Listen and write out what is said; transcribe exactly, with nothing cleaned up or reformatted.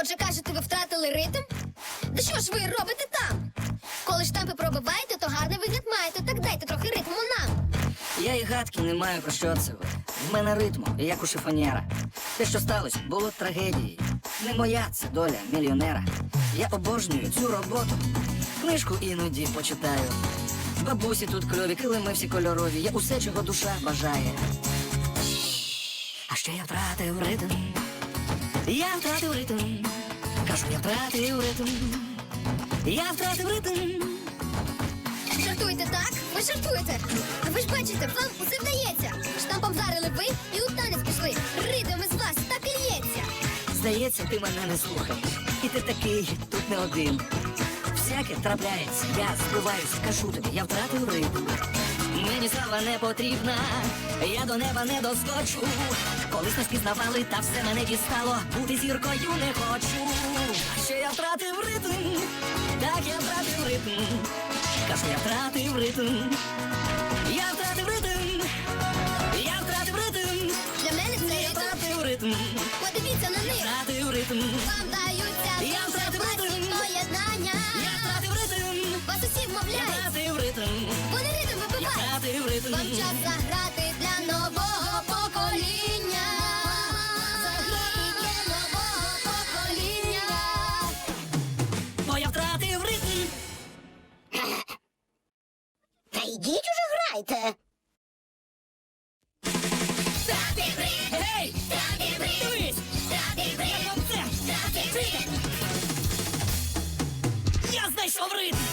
Отже, кажете, ви втратили ритм? Да що ж ви робите там? Коли штампи пробиваєте, то гарний вигляд маєте. Так дайте трохи ритму нам. Я і гадки не маю, про що це ви. В мене ритму, як у шифонєра. Те, що сталося, було трагедією. Не моя це доля мільйонера. Я обожнюю цю роботу. Книжку іноді почитаю. Бабусі тут кльові, килими всі кольорові. Я усе, чого душа бажає. А ще я втратив ритм. Я втратив ритм. Кажу, я втратив ритм. Я втратив ритм. Жартуєте так? Ви жартуєте. А ви ж бачите, вам усе вдається. Штампом вдарили ви і у танець пішли. Ритм із вас так і лється. Здається, ти мене не слухаєш. І ти такий тут не один. Всяке трапляється, я збиваюсь, кажу тобі, я втратив ритм. Мені слава не потрібна, я до неба не доскочу. Колись не спізнавали, та все мене дістало. Бути зіркою не хочу. А ще я втратив ритм, так я втратив ритм. Кажу, я втратив ритм. Я втратив ритм. Я втратив ритм. Для мене це Я ритм. втратив ритм. Подивіться на них. Втратив ритм. Вам даються Я дуже втратив класні ритм. поєднання. Я втратив ритм. Вас усі Я вмовляють. втратив ритм. Вони ритм Я вибивають. втратив ритм. Вам час заграти для нового покоління. Заграти для нового покоління. Бо я втратив ритм. Та йдіть уже грайте. Гей! Дивись! Як вам це? Я знайшов ритм!